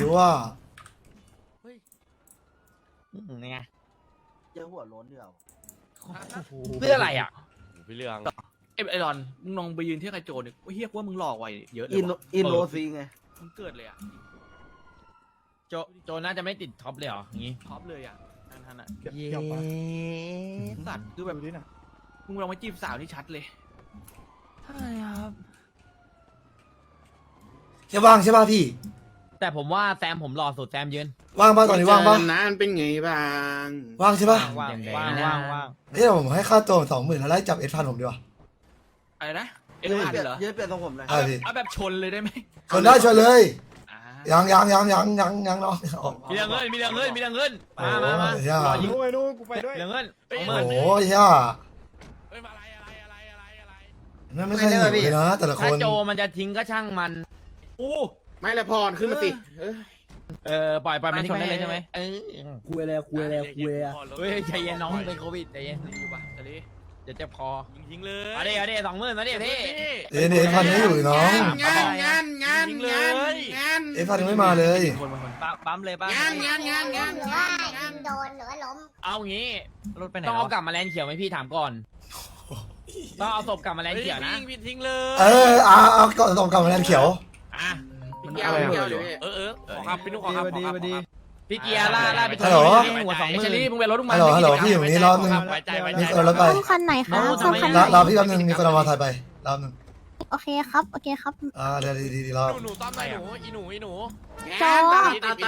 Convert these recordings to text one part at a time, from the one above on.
ว่าไงเจอหัวโล้นเดียวเพื่ออะไรอ่ะพี่เรื่องไอ้รอนมึงลองไปยืนเที่ยวกับโจเนี่ยเฮียว่ามึงหลอกไว้เยอะเลยอินโรซีไงมึงเกิดเลยอ่ะโจน่าจะไม่ติดท็อปเลยเหรออย่างงี้ท็อปเลยอ่ะนั่นอ่ะเย้สัตว์คือแบบมึงลองไปจีบสาวนี่ชัดเลยใช่ครับแค่ว่างใช่ป่ะพี่แต่ผมว่าแซมผมหล่อสุดแซมยืนว่างป่ะตอนนี้ว่างป่ะนานเป็นไงบ้างว่างใช่ป่ะว่างเฮ้ยผมให้ค่าตัว20,000แล้วไล่จับF1,000ผมดีกว่าอะไรนะเอ็ยืนนอาร์เปลี่ยนเหรอยืนเปลี่ยนทรงผมเลยเอาแบบชนเลยได้ไหมชนได้ชนเลยอ่ายังน้องออกมีเรื่องเงินมาโอ้รยอยิงไปนู่นกูไปด้วยเรื่องเงินโอ้ยย่าเฮ้ยมาอะไรนั่นไม่ใช่หนูเลยนะแต่ละคถ้าน โจมันจะทิ้งก็ช่างมันไม่ละพรขึ้นมาสิปล่อยมันทิ้งไปเลยใช่ไหมคุยเลยคุยเลยคุยเลยเฮ้ยใจเย็นน้องเป็นโควิดใจเย็นอยู่ปะจะดีเดี๋ยวเจ็บคอยิงเลยเอาดิ20,000มาดิพี่เนี่ยF1,000ไม่อยู่น้องงาน F1,000ยังไม่มาเลยคนมาคนปั๊มเลยป่ะงานหรือว่ายิงโดนหรือว่าล้มเอางี้รถไปไหนต้องเอากลับมาแลนเขียวไหมพี่ถามก่อนต้องเอาศพกลับมาแลนเขียวนะยิงทิ้งเลยเอาก่อนส่งกลับมาแลนเขียวอ่ะเกี่ยวเกี่ยวเลยขอครับพี่นุ๊กขอครับพี่เกียร์ล่าไปฮัลโหลหัว20,000 เชอรี่มึงไปรถมึงมาฮัลโหลพี่อยู่นี่รอบนึงไว้ใจมีคนรถไปซ่อมคันไหนคะซ่อมคันไหนรอพี่แป๊บนึงมีคนเอามาถ่ายไปรอบนึงโอเคครับ โอเคครับเดี๋ยวดีรอบหนูต้อมหน่อยหนูอีหนูงานตรัดงานต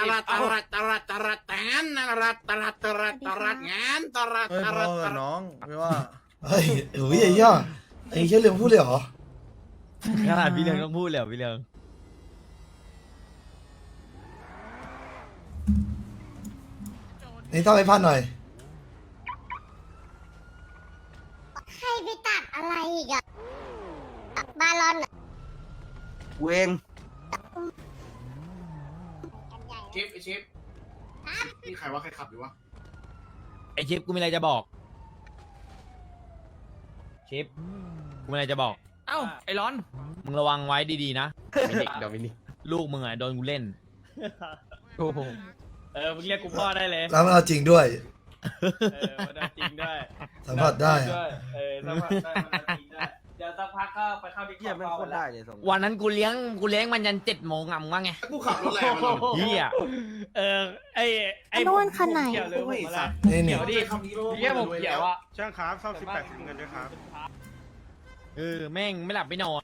รัดน้องไม่ว่าเฮ้ยอุ้ยไอ้ย่าไอ้เชี่ยเรื่องพูดเลยเหรอขนาดพี่เรืองต้องพูดเลยพี่เรืองนี่ต้องF1,000หน่อยให้ไปตัดอะไรอีกอะบาลอนเวงชิปนี่ใครว่าใครขับอยู่วะไอชิปกูมีอะไรจะบอกชิปกูมีอะไรจะบอกเอ้าไอ้ร้อนมึงระวังไว้ดีๆนะมินิเดี๋ยวมินิลูกมึงอ่ะโดนกูเล่นโอ้โหมึงเรียกกูพ่อได้เลยแล้วมันเอาจริงด้วยมันจริงด้วยสัมผัสได้สัมผัสได้มันจริงด้วยเดี๋ยวสักพักก็ไปเข้าดิเยี่ยมไม่โคตรได้เลยทรงวันนั้นกูเลี้ยงมันยัน7 โมงอ่ะมึงว่าไงกูขับรถแรงมันเฮียไอ้โน่นคันไหนนี่เดี๋ยวดิเฮียผมเขียวอ่ะช่างครับเข้า18เงินด้วยครับแม่งไม่หลับไม่นอน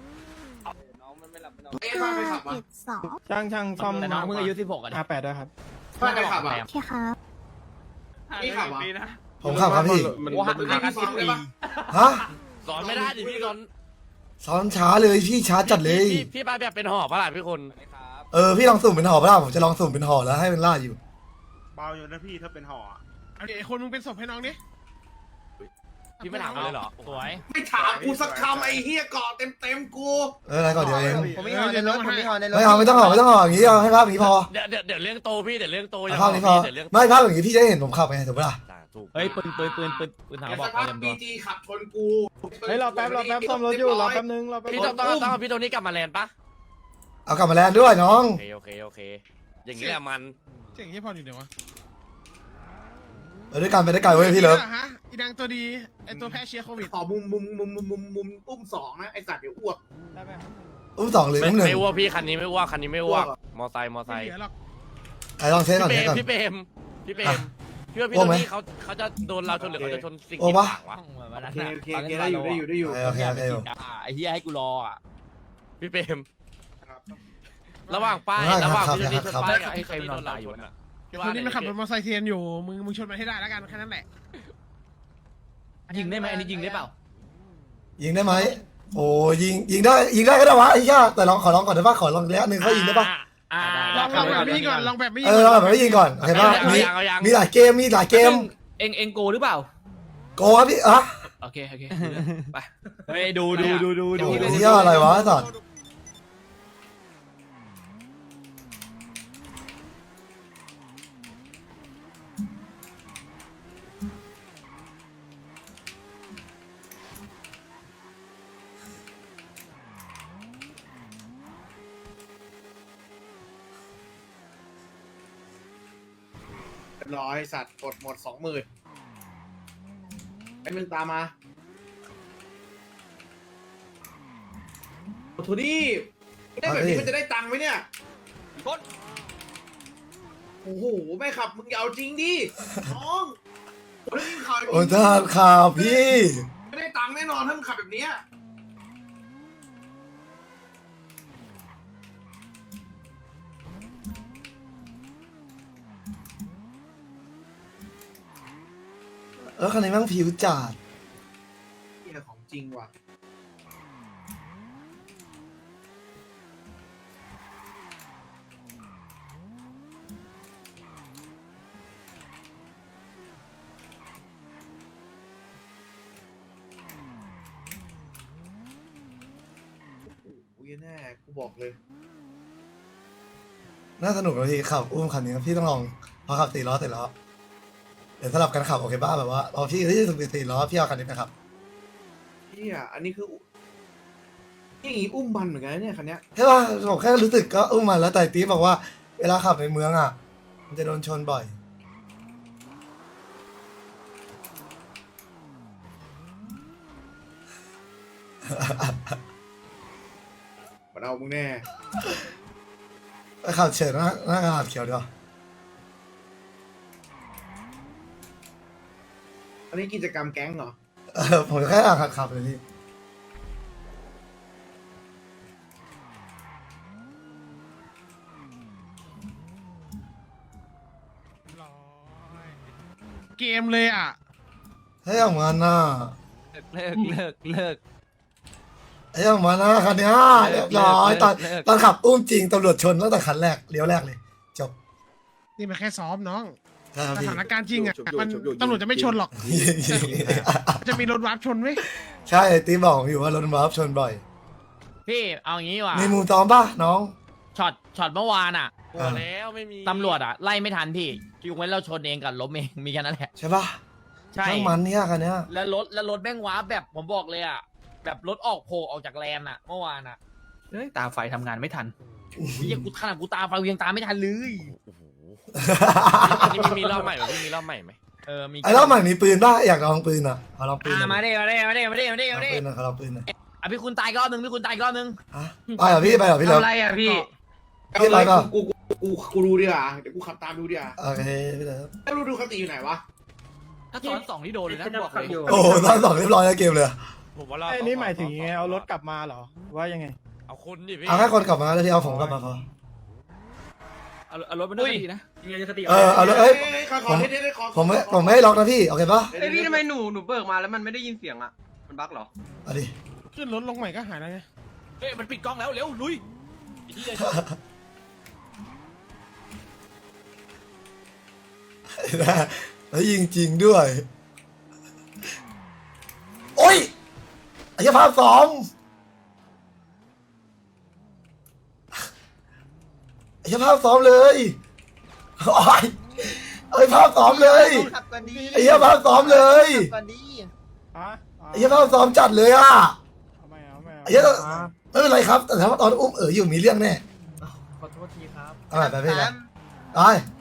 572 ช่างซ่อมแต่น้องเพิ่งอายุ16อ่ะ 58ด้วยครับช่างใครขับอ่ะโอเคครับนี่ขับอ่ะผมขับครับพี่ว่าห่างกัน10 ปีฮะสอนไม่ได้ดิพี่สอนซ้อนช้าเลยพี่ช้าจัดเลยพี่ป้าแบบเป็นหอบปะล่ะพี่คนพี่ลองสุ่มเป็นห่อป่ะผมจะลองสุ่มเป็นห่อแล้วให้มันล่าอยู่เบาอยู่นะพี่ถ้าเป็นห่อเอาดิไอ้คนมึงเป็นศพให้น้องดิพี่ไม่ถามเลยเหรอสวยไม่ถามกูสักคำไอ้เฮียเกาะเต็มกูอะไรก่อนเดี๋ยวเองผมไม่ห่อในรถผมไม่ห่อในรถไม่เอาไม่ต้องห่ออย่างนี้เอาให้ภาพอย่างนี้พอเดี๋ยวเรื่องโตพี่เดี๋ยวเรื่องโตเอาภาพนี้พอเดี๋ยวเรื่องไม่ภาพอย่างนี้พี่จะได้เห็นผมขับไงถูกปะล่ะถูกเฮ้ยปืนถามเดี๋ยวบอสักกพักเตรียมตับีวจีขับชนกูเฮ้ยรอแป๊บซ่อมรถอยู่รอแป๊บนึงรอแป๊บพี่นึต้องเอาพี่ตัวนี้กลับมาแลนด์ปะเอากลับมาแลนด์ด้วยน้องโอเคอย่างนี้แหละมันเจ๋งที่พออยู่เดี๋ยววะไปด้วยกันไปได้ไกลเว้ยพี่เลิฟฮะอีดังตัวดีไอตัวแพ้เชียร์โควิดขอมุมอุ้ม2นะไอสัตว์เดี๋ยวอ้วกได้ไหมอุ้ม2หรืออุ้ม1 ไม่อ้วกพี่คันนี้ไม่อ้วกมอไซค์ไม่เหลือหรอกใครลองเช็คก่อนเช็คก่อนพี่เปรมพี่ว่าพี่ตัวนี้เขาจะโดนเราชนหรือเขาจะชนสิ่งโอ้ที่ปะต่างวะได้อยู่โอเคไอ้เหี้ยให้กูรออ่ะพี่เปรมระหว่างป้ายระหว่างพี่ตัวนี้ชนป้ายกับไอ้ใครโดนเราชนอ่ะคนนี้มันขับรถมอเตอร์ไซค์เทียนอยู่มึงชนมันให้ได้แล้วกันแค่นั้นแหละยิงได้ไหมอันนี้ยิงได้เปล่ายิงได้ไหมโอ้ยิงได้ก็ได้วะไอ้ย่าแต่ขอลองก่อนได้ปะขอลองแล้วนึงเขายิงได้ปะลองแบบนี้ก่อนลองแบบนี้ลองแบบไม่ยิงก่อนโอเคป่ะมีหลายเกมเอ็งโกหรือเปล่าโกครับพี่อ่ะโอเคไปเฮ้ยดูโอ้ยย่าอะไรวะสัตว์ร้อยสัตว์กดหมด 20,000ไอ้มึงตามมาโอ้โทนี่ได้แบบนี้มันจะได้ตังค์ไหมเนี่ยกดโอ้โหไม่ขับมึงอย่าเอาจริงดิน้องโอ้ยมึงขับแบบโอ้นี้ท่านข่าวพี่ไม่ได้ตังค์แน่นอนถ้ามึงขับแบบเนี้ยคันนี้แม่งผิวจัดเหี้ยของจริงว่ะโอ้ยแน่กูบอกเลยน่าสนุกเลยพี่ขับอุ้มคันนี้พี่ต้องลองพอขับ4 ล้อเสร็จแล้วเดี๋ยวสลับกันขับโอเคบ้าแบบว่าพอพี่ที่สุด4 ล้อพี่เอาคันนี้ไปขับเฮียอันนี้คือนี่อุ้มมันเหมือนกันนะเนี่ยคันเนี้ยใช่ป่ะผมแค่รู้สึกก็อุ้มมันแล้วแต่ตีบอกว่าเวลาขับในเมืองอ่ะมันจะโดนชนบ่อยมันเอามึงแน่ไปขับเฉินหน้ากระดาษเขียวดีกว่าอันนี้กิจกรรมแก๊งเหรอผมแค่อ่านขับเลยพี่เกมเลยอ่ะให้ออกมาหน้าเลิกให้ออกมาหน้าคันเนี้ยเรียบร้อยตอนขับอุ้มจริงตำรวจชนตั้งแต่คันแรกเลี้ยวแรกเลยจบนี่มันแค่ซ้อมน้องใช่ครับสพี่ถานการณ์จริงอ่ะมันตำรวจจะไม่ชนหรอก จะมีรถวาร์ปชนไหมใช่ตีบอกผมอยู่ว่ารถบัสชนบ่อยพี่เอางี้ว่ะมีมุมตอมป่ะน้องช็อตเมื่อวานอ่ะอ่าแล้วไม่มีตำรวจอ่ะไล่ไม่ทันพี่ยกเว้นเราชนเองกับล้มเองมีแค่นั้นแหละใช่ป่ะใช่ทั้งมันเนี่ยคันเนี้ยแล้วรถแม่งว้าแบบผมบอกเลยอ่ะแบบรถออกโผล่ออกจากแลนอ่ะเมื่อวานอ่ะเฮ้ยตาไฟทำงานไม่ทันเฮียกูขนาดกูตาไฟกูยังตามไม่ทันเลยนี่มีรอบใหม่ไหมพี่มีรอบใหม่ไหมมีไอ้รอบใหม่มีปืนป่ะอยากลองปืนอ่ะขอลองปืนหน่อยมาดิขอลองปืนหน่อยขอลองปืนหน่อยอ่ะพี่คุณตายอีกรอบนึงพี่คุณตายอีกรอบนึงฮะไปเหรอพี่ไปเหรอพี่เลิฟทำไรอ่ะพี่พี่ไปเปล่ากูดูดีกว่าเดี๋ยวกูขับตามดูดีกว่าโอเคพี่เลิฟแล้วดูคติอยู่ไหนวะถ้าซ้อนสองนี่โดนเลยนะบอกเลยโอ้โหตอน2เรียบร้อยแล้วเกมเลยผมว่าเราไอ้นี่หมายถึงยังไงเอารถกลับมาเหรอว่ายังไงเอาคนดิพี่เอาแค่คนกลับมาแล้วพี่เอาผมกลับมาพอเอารถไปด้วยดีนะเอาเลยเอ้ยขอเท่ๆขอผมไม่ให้ล็อกนะพี่โอเคป่ะไอ้พี่ทำไมหนูเบิกมาแล้วมันไม่ได้ยินเสียงอ่ะ มันบั๊กเหรอเอาดิขึ้นรถลงใหม่ก็หายแล้วไงเฮ้ยมันปิดกล้องแล้วเร็วลุยแล้วยิงจริงด้วย โอ้ยไอ้เหี้ยภาพซ้อมไอ้เหี้ยภาพซ้อมเลยโอ้ยเอ้ยภาพซ้อมเลยขับกันดีไอ้เหี้ยภาพซ้อมเลยขับกันดีฮะไอ้เหี้ยภาพซ้อมจัดเลยอ่ะเอาไม่เอาไม่เอาไอ้เหี้ยไม่เป็นไรครับแต่ถ้าตอนอุ้มอยู่มีเรื่องแน่ขอโทษทีครับเอาไปพี่นะไป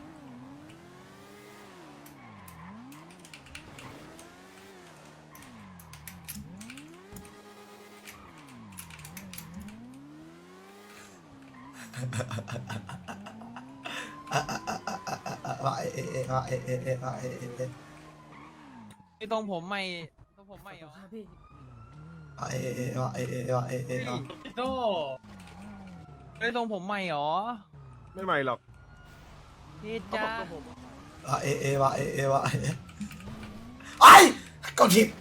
ว่าเอะว่าเอะว่าเอะไอ้ตรงผมไม่เหรอว่าเอะว่าเอะโตไอ้ตรงผมไม่เหรอไม่ใหม่หรอกพี่จ้าว่าเอะว่าไอ้กดทิป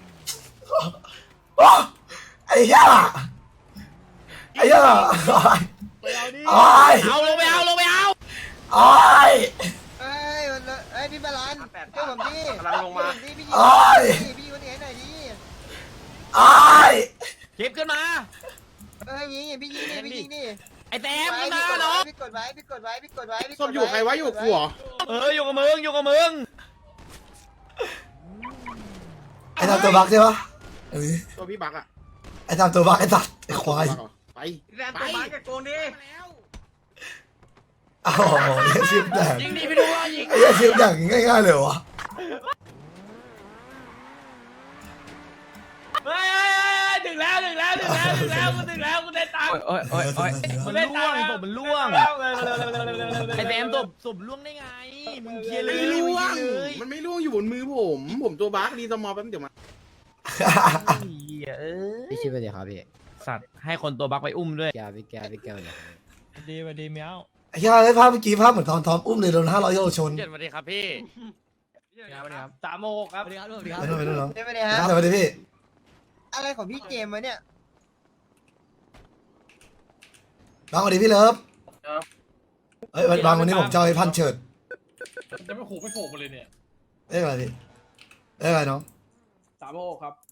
ไอ้ย่าไอ้ย่าไปเอาดิไอ้เอาลงไปเอาไอ้เอ้ยเอ้ยพี่บาลานเจ้าผมดิกำลังลงมาพี่ยิงพี่วันนี้ให้หน่อยดิไอ้คลิปขึ้นมาเอ้ยยิงพี่ยิงดิพี่ยิงดิไอ้แต้มขึ้นมาเนาะพี่กดไว้พี่กดไว้พี่กดไว้ส้มอยู่ใครวะอยู่กูเหรออยู่กับมึงไอ้ทำตัวบักใช่ปะตัวพี่บักอ่ะไอ้ทำตัวบักไอ้สัตว์ไอ้ควายไปแรมตัวมาแกโกงดิอ้าวไอ้ชิปแดกยิงดีไปดูว่ายิงไอ้ชิปแดกง่ายๆเลยวะเฮ้ยถึงแล้วกูถึงแล้วกูได้ตังค์โอ้ยมันล่วงศพมันล่วงไอ้แซมศพล่วงได้ไงมึงเคลียร์เลยไม่ล่วงเลยมันไม่ล่วงอยู่บนมือผมตัวบั๊กรีสมอลแป๊บเดี๋ยวมาพี่ชิปไปเดี๋ยวครับพี่สัตว์ให้คนตัวบักไปอุ้มด้วยแกพี่แกเลยดีเมียวไอ้เหี้ยไอ้ภาพเมื่อกี้ภาพเหมือนตอนทอมอุ้มเลยโดน500โลชนเจ็ดสวัสดีครับพี่ 3 โมงครับไปนู่นไปนู่นน้องได้ไหมเนี่ยฮะสวัสดีพี่อะไรของพี่เจมส์วะเนี่ยบางสวัสดีพี่เลิฟเฮ้ยบางวันนี้ผมจะเอาไอ้พันเฉิดจะไม่ขู่ไม่โผล่มาเลยเนี่ยเอ้ยอะไรพี่เอ้ยอะไรน้อง 3 โมงครับ